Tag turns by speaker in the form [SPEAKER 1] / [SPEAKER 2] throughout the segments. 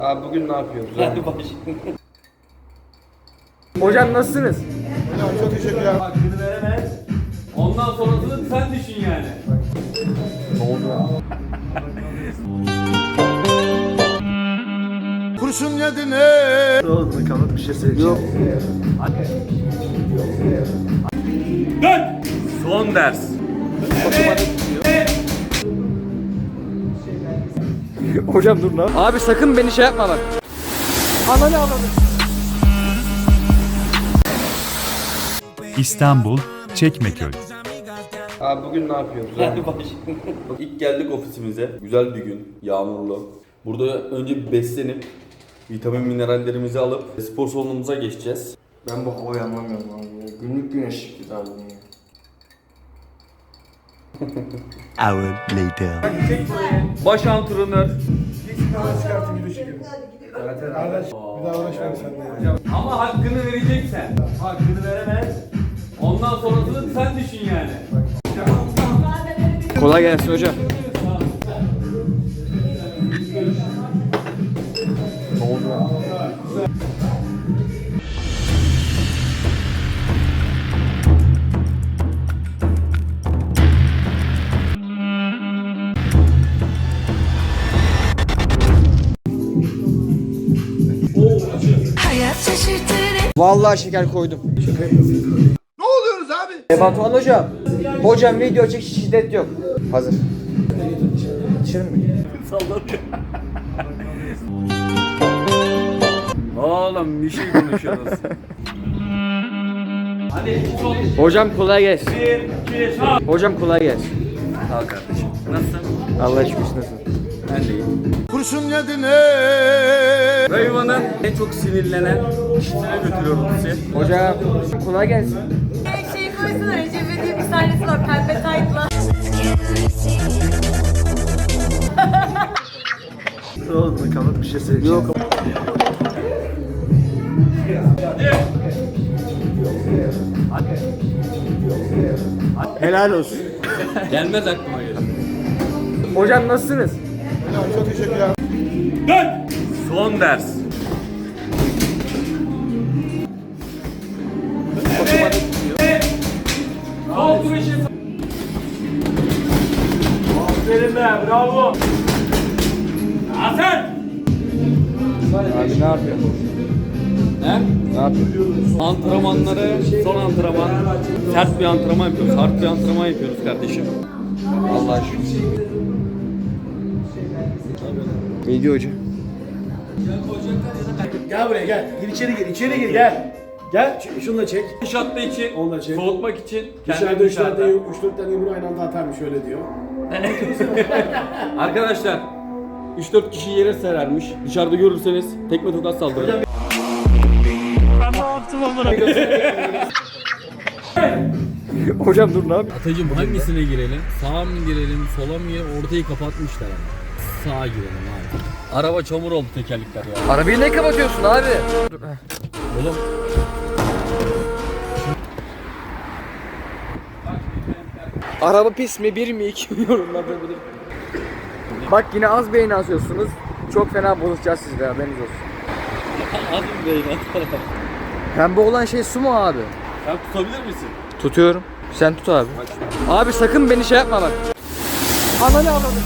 [SPEAKER 1] Abi bugün ne yapıyoruz?
[SPEAKER 2] Hadi başlayalım.
[SPEAKER 1] Hocam nasılsınız?
[SPEAKER 3] Hocam çok teşekkürler.
[SPEAKER 2] Hakkını veremez. Ondan sonrasını sen düşün yani.
[SPEAKER 1] Ne oldu ya?
[SPEAKER 3] Kurşun yedi ne?
[SPEAKER 1] Doğru, kalıp bir şey söyleyeceğim. Yok.
[SPEAKER 2] Dön! Son ders.
[SPEAKER 1] Hocam dur lan. Abi sakın beni şey yapma bak. Ananı anladım.
[SPEAKER 4] İstanbul, Çekmeköy.
[SPEAKER 1] Abi bugün ne yapıyoruz?
[SPEAKER 2] Hadi başlayalım. İlk geldik ofisimize. Güzel bir gün. Yağmurlu. Burada önce bir beslenip vitamin minerallerimizi alıp spor salonumuza geçeceğiz.
[SPEAKER 1] Ben bu havayı anlamıyorum abi. Günlük güneşlik abi bunu.
[SPEAKER 4] Hour later.
[SPEAKER 2] Baş antrenör.
[SPEAKER 3] Kardeş bir daha uğraşmayın sen de.
[SPEAKER 2] Ama hakkını vereceksen. Hakkını veremez. Ondan sonrasını sen düşün yani.
[SPEAKER 1] Kolay gelsin hocam. Ne oldu ya?
[SPEAKER 5] Hayat şaşırtır.
[SPEAKER 1] Vallahi şeker koydum.
[SPEAKER 3] Ne oluyoruz abi?
[SPEAKER 1] Batuhan hocam. Hocam video çek, şiddet yok. Hazır. Dışarı mı?
[SPEAKER 2] Oğlum bir şey konuşuyoruz. Hadi sol.
[SPEAKER 1] Hocam kolay gelsin.
[SPEAKER 2] 1, 2, sağ.
[SPEAKER 1] Hocam kolay gelsin.
[SPEAKER 2] Sağ ol kardeşim. Nasılsın?
[SPEAKER 1] Allah şükür nasılsın?
[SPEAKER 2] Ben de iyiyim.
[SPEAKER 3] Kurşun yedi ne?
[SPEAKER 2] Rayvan'ın en çok sinirlenen kişilere götürüyorum sizi.
[SPEAKER 1] Hocam kolay gelsin.
[SPEAKER 5] Şey koysana Recep İvedik'in bir sahnesi var pembe taytla.
[SPEAKER 1] Doğru, kalıp bir şey söyleyeceğim. Yok. Helal olsun.
[SPEAKER 2] Gelmez aklıma gelir.
[SPEAKER 1] Hocam nasılsınız?
[SPEAKER 3] Hocam çok teşekkürler.
[SPEAKER 2] Dön! Son ders. Sol kuruşu. Aferin be, bravo. Hasan!
[SPEAKER 1] Abi ne yapıyorsun?
[SPEAKER 2] He?
[SPEAKER 1] Ne yapıyorsun?
[SPEAKER 2] Antrenmanları, son antrenman. Sert bir antrenman yapıyoruz, hard bir antrenman yapıyoruz kardeşim.
[SPEAKER 1] Allah şükür. Ne diyor hocam?
[SPEAKER 6] Gel buraya gel. Gir içeri gir. İçeri gir gel. Gel şunu da çek.
[SPEAKER 2] Dış attığı için,
[SPEAKER 6] Onu da çek.
[SPEAKER 2] soğutmak için
[SPEAKER 6] Dışarıda 3
[SPEAKER 2] dışarıda.
[SPEAKER 6] tane 3-4 tane yumruğu aynı anda atarmış öyle diyor.
[SPEAKER 2] Arkadaşlar 3-4 kişi yere serermiş. Dışarıda görürseniz tekme tokat saldırın.
[SPEAKER 1] Hocam dur ne yapıyorsun?
[SPEAKER 2] Atacığım hangisine girelim? Sağa mı girelim, sola mı girelim? Ortayı kapatmışlar ama. Sağa girelim abi. Araba çamur oldu tekerlekler ya.
[SPEAKER 1] Arabayı ne kapatıyorsun abi?
[SPEAKER 2] Oğlum.
[SPEAKER 1] Araba pis mi, bir mi, iki mi yorumlarda bilir. Bak yine az beyin asıyorsunuz. Çok fena bozacağız sizde, haberiniz olsun.
[SPEAKER 2] Az mı beyin atar?
[SPEAKER 1] Pembe olan şey su mu abi?
[SPEAKER 2] Sen tutabilir misin?
[SPEAKER 1] Tutuyorum. Sen tut abi. Abi sakın beni şey yapma bak. Ananı anladım.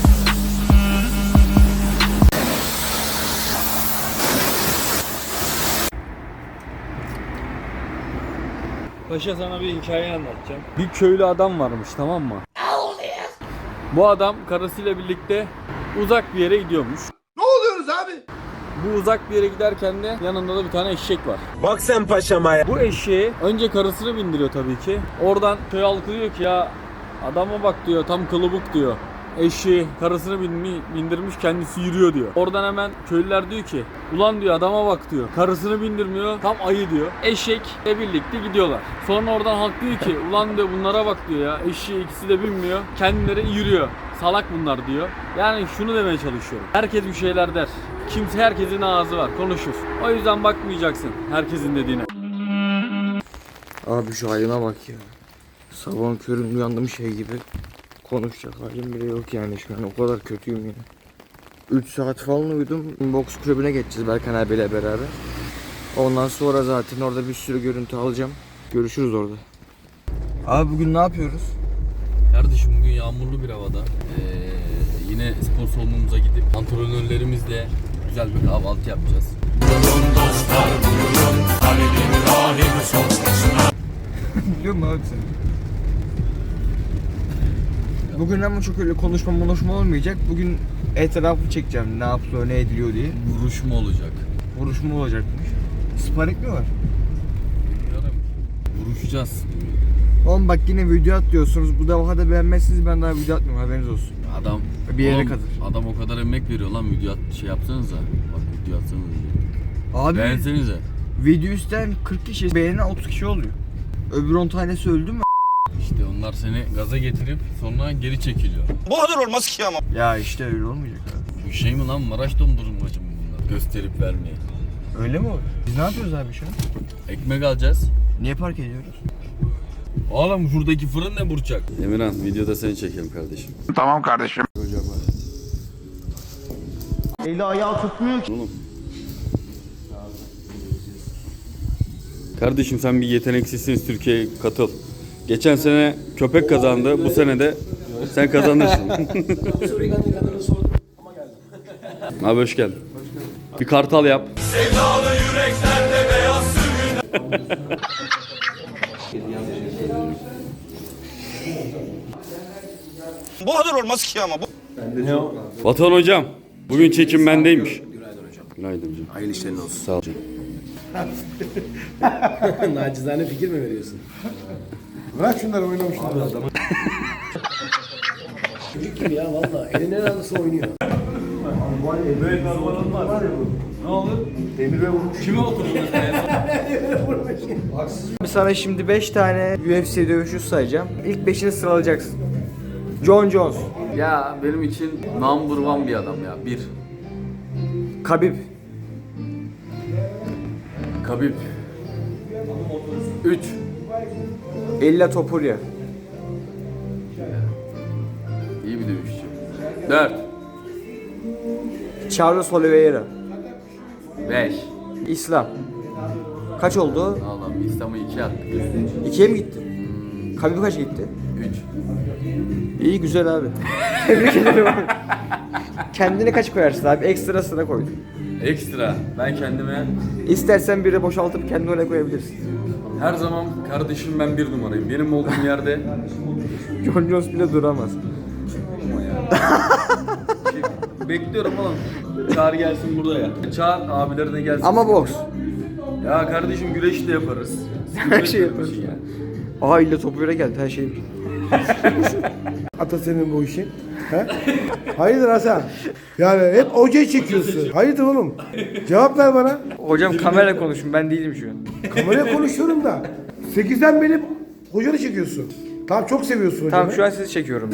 [SPEAKER 2] Paşa sana bir hikaye anlatacağım. Bir köylü adam varmış, tamam mı? Bu adam karısıyla birlikte uzak bir yere gidiyormuş.
[SPEAKER 3] Ne oluyoruz abi?
[SPEAKER 2] Bu uzak bir yere giderken de yanında da bir tane eşek var.
[SPEAKER 7] Bak sen paşama ya.
[SPEAKER 2] Bu eşeği önce karısını bindiriyor tabii ki. Oradan köy halkı diyor ki ya adama bak diyor, tam kılıbık diyor. Eşeği karısını bindirmiş, kendisi yürüyor diyor. Oradan hemen köylüler diyor ki ulan diyor adama bak diyor. Karısını bindirmiyor, tam ayı diyor. Eşekle birlikte gidiyorlar. Sonra oradan halk diyor ki ulan diyor bunlara bak diyor ya. Eşeği ikisi de binmiyor, kendileri yürüyor. Salak bunlar diyor. Yani şunu demeye çalışıyorum. Herkes bir şeyler der. Kimse, herkesin ağzı var, konuşur. O yüzden bakmayacaksın herkesin dediğine.
[SPEAKER 1] Abi şu halime bak ya. Sabahın köründe uyandım şey gibi. Konuşacak halim bile yok yani şu an, o kadar kötüyüm ya. 3 saat falan uyudum. Boks kulübüne geçeceğiz Berkan abiyle beraber. Ondan sonra zaten orada bir sürü görüntü alacağım. Görüşürüz orada. Abi bugün ne yapıyoruz?
[SPEAKER 2] Kardeşim bugün yağmurlu bir havada. Yine spor salonumuza gidip antrenörlerimizle güzel bir kahvaltı yapacağız.
[SPEAKER 1] Biliyor musun abi sen? Bugün ama çok öyle konuşma olmayacak. Bugün etrafı çekeceğim ne yapılıyor ne ediliyor diye.
[SPEAKER 2] Vuruşma olacak.
[SPEAKER 1] Vuruşma olacakmış. Sparing mi var?
[SPEAKER 2] Bilmiyorum. Vuruşacağız.
[SPEAKER 1] Oğlum bak yine video atlıyorsunuz. Bu defa da beğenmezsiniz ben daha video atmıyorum haberiniz olsun.
[SPEAKER 2] Adam
[SPEAKER 1] Bir yere
[SPEAKER 2] oğlum,
[SPEAKER 1] kadar.
[SPEAKER 2] Adam o kadar emek veriyor lan video şey yapsanıza. Bak video atsanıza.
[SPEAKER 1] Abi
[SPEAKER 2] Beğensenize.
[SPEAKER 1] video üstten 40 kişi beğenen 30 kişi oluyor. Öbür 10 tanesi öldü mü?
[SPEAKER 2] İşte onlar seni gaza getirip sonra geri çekiliyor.
[SPEAKER 1] Ya işte öyle olmayacak abi.
[SPEAKER 2] Bu şey mi lan, Maraş dondurmacı mı bunlar? Gösterip vermeye.
[SPEAKER 1] Öyle mi oluyor? Biz ne yapıyoruz abi şu an?
[SPEAKER 2] Ekmek alacağız.
[SPEAKER 1] Niye park ediyoruz?
[SPEAKER 2] Oğlum şuradaki fırın ne Burçak? Emirhan videoda seni çekelim kardeşim.
[SPEAKER 3] Tamam kardeşim.
[SPEAKER 6] Eli ayağı tutmuyor ki.
[SPEAKER 2] Oğlum. Kardeşim sen bir yeteneksizsin, Türkiye'ye katıl. Geçen sene köpek kazandı, bu sene de sen kazanırsın. Abi hoş geldin. Bir kartal yap. Sevdalı yüreklerde beyaz
[SPEAKER 3] Bu kadar olmaz ki ama bu.
[SPEAKER 2] Vatan hocam, bugün çekim bendeymiş. Günaydın hocam. Günaydın hocam.
[SPEAKER 7] Hayırlı işlerin olsun.
[SPEAKER 2] Sağ ol hocam.
[SPEAKER 7] Nacizane fikir mi veriyorsun?
[SPEAKER 3] Bırak şunları oynamışlar.
[SPEAKER 7] Çocuk gibi ya valla. Elin en anısı oynuyor.
[SPEAKER 1] Sana şimdi 5 tane UFC dövüşü sayacağım. İlk 5'ini sıralayacaksın. John Jones,
[SPEAKER 2] Ya benim için number one bir adam ya. Bir.
[SPEAKER 1] Khabib,
[SPEAKER 2] Khabib. 3.
[SPEAKER 1] Ella Topuria,
[SPEAKER 2] İyi bir dövüşçü. 4.
[SPEAKER 1] Charles Oliveira,
[SPEAKER 2] 5.
[SPEAKER 1] İslam. Kaç oldu?
[SPEAKER 2] Allah'ım İslam'ı 2 attık.
[SPEAKER 1] 2'ye mi gitti? Khabib kaç gitti?
[SPEAKER 2] 3.
[SPEAKER 1] İyi güzel abi. Tebrik ederim abi. Kendine kaç koyarsın abi? Ekstrasına koydun.
[SPEAKER 2] Ekstra. Ben kendime
[SPEAKER 1] İstersen biri boşaltıp kendini oraya koyabilirsin.
[SPEAKER 2] her zaman kardeşim ben bir numarayım. Benim olduğum yerde
[SPEAKER 1] John Jones bile duramaz.
[SPEAKER 2] bekliyorum oğlum. Çağır gelsin burada ya. Çağır abileri de gelsin.
[SPEAKER 1] Ama boks.
[SPEAKER 2] Ya kardeşim güreş de yaparız.
[SPEAKER 1] Her şey yaparız.
[SPEAKER 2] Ya.
[SPEAKER 1] Aa illa Topuria geldi her şey.
[SPEAKER 6] Ata senin bu işin. He? Hayırdır Hasan? Yani hep hocayı çekiyorsun. Hayırdır oğlum? Cevap ver bana.
[SPEAKER 1] Hocam kamera konuşun ben değilim şu an.
[SPEAKER 6] Kameraya konuşuyorum da. 8'den beri hocanı çekiyorsun. Tamam çok seviyorsun hocamı.
[SPEAKER 1] Tamam şu an sizi çekiyorum.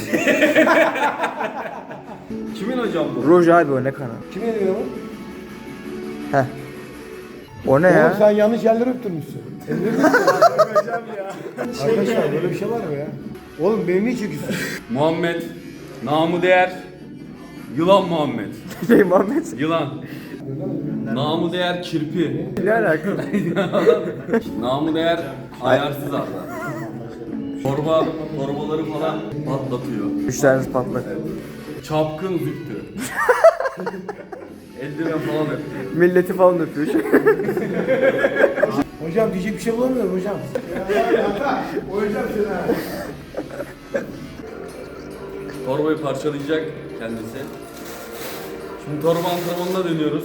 [SPEAKER 2] Kimin hocam bu?
[SPEAKER 1] Roj abi o ne kanal?
[SPEAKER 6] Kim yedi beni?
[SPEAKER 1] Heh. O ne
[SPEAKER 6] Oğlum
[SPEAKER 1] ya?
[SPEAKER 6] sen yanlış yerleri öptürmüşsün. Arkadaşlar böyle bir şey var mı ya? Oğlum beni niye çekiyorsun?
[SPEAKER 2] Muhammed. Namı değer. Yılan Muhammed.
[SPEAKER 1] Şey Muhammed.
[SPEAKER 2] Yılan. Namı değer kirpi.
[SPEAKER 1] Ne alaka?
[SPEAKER 2] Namı değer ayarsız adam. Torbaları falan patlatıyor.
[SPEAKER 1] 3 tanesi patlak.
[SPEAKER 2] Çapkın züktü. Eldiven falan öptü.
[SPEAKER 1] Milleti falan öpüyor.
[SPEAKER 6] Hocam diyecek bir şey bulamıyorum hocam. Hocam seni.
[SPEAKER 2] Torbayı parçalayacak kendisi. Şimdi torba antrenmanına dönüyoruz.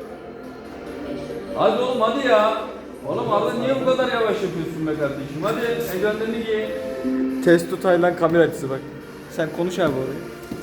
[SPEAKER 2] Hadi oğlum hadi ya. Oğlum Arda niye bu kadar yavaş yapıyorsun be kardeşim? Hadi eldivenlerini giy.
[SPEAKER 1] Testo Taylan kamera açısı bak. Sen konuş abi orayı.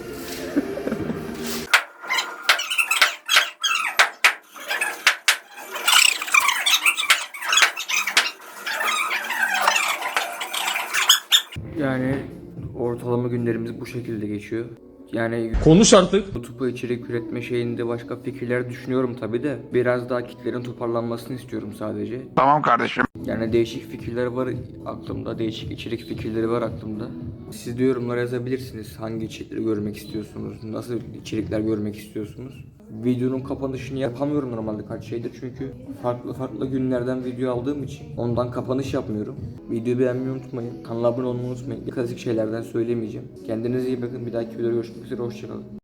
[SPEAKER 1] Yani ortalama günlerimiz bu şekilde geçiyor. Yani
[SPEAKER 2] Konuş artık.
[SPEAKER 1] YouTube'a içerik üretme şeyinde başka fikirler düşünüyorum tabi de biraz daha kitlerin toparlanmasını istiyorum sadece.
[SPEAKER 3] Tamam kardeşim.
[SPEAKER 1] Yani değişik fikirler var aklımda, değişik içerik fikirleri var aklımda. Siz de yorumlara yazabilirsiniz. Hangi içerikleri görmek istiyorsunuz? Nasıl içerikler görmek istiyorsunuz? Videonun kapanışını yapamıyorum normalde kaç şeydir. Çünkü farklı günlerden video aldığım için ondan kapanış yapmıyorum. Videoyu beğenmeyi unutmayın. Kanala abone olmayı unutmayın. Klasik şeylerden söylemeyeceğim. Kendinize iyi bakın. Bir dahaki videoda görüşmek üzere. Hoşçakalın.